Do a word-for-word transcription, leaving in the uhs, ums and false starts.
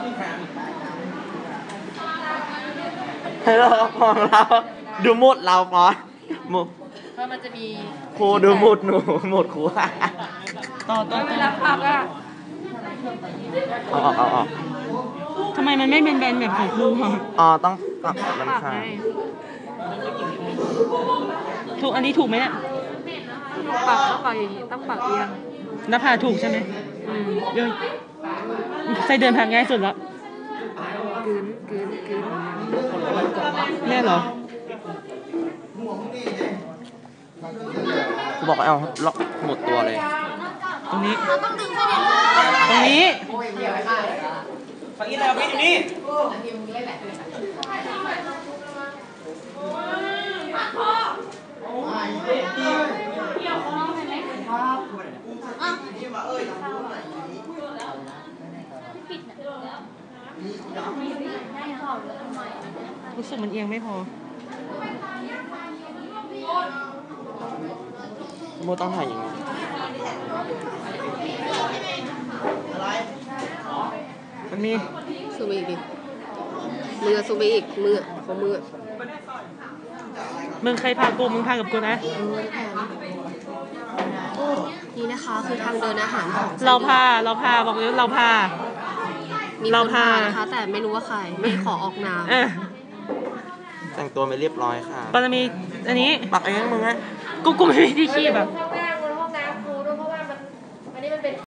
ให้เราของเราดูหมดเราปอหมดเพราะมันจะมีครูดูหมดหนูหมดครูต่อต่อเวลาพักอ่ะเอาออกเอาออกทำไมมันไม่เป็นแบนแบบของครูอ๋อต้องปรับลำคาถูกอันนี้ถูกไหมเนี่ยปากต้องปากอย่างนี้ต้องปากเอียงหน้าผากถูกใช่ไหมอืมเยอะใส่เดินผ่านง่ายสุดแล้วกลืนกลืนกลืนแน่เหรอกูบอกเอาล็อกหมดตัวเลยตรงนี้ตรงนี้ฝั่งนี้เราไปอยู่นี่รู้สึกมันเอียงไม่พอโมต้องถ่ายอย่างนี้มันมีซูมอีกดิมือซูมอีกมือของมือมึงใครพากูมึงพากับกูนะนี่นะคะคือทางเดินอาหารของเราพาเราพาบอกเลยเราพาเราพานะคะแต่ไม่รู้ว่าใครไม่ขอออกนามแต่งตัวไม่เรียบร้อยค่ะปรมีอันนี้ปักเองมึงไงกูกูไม่มีที่ขี้แบบ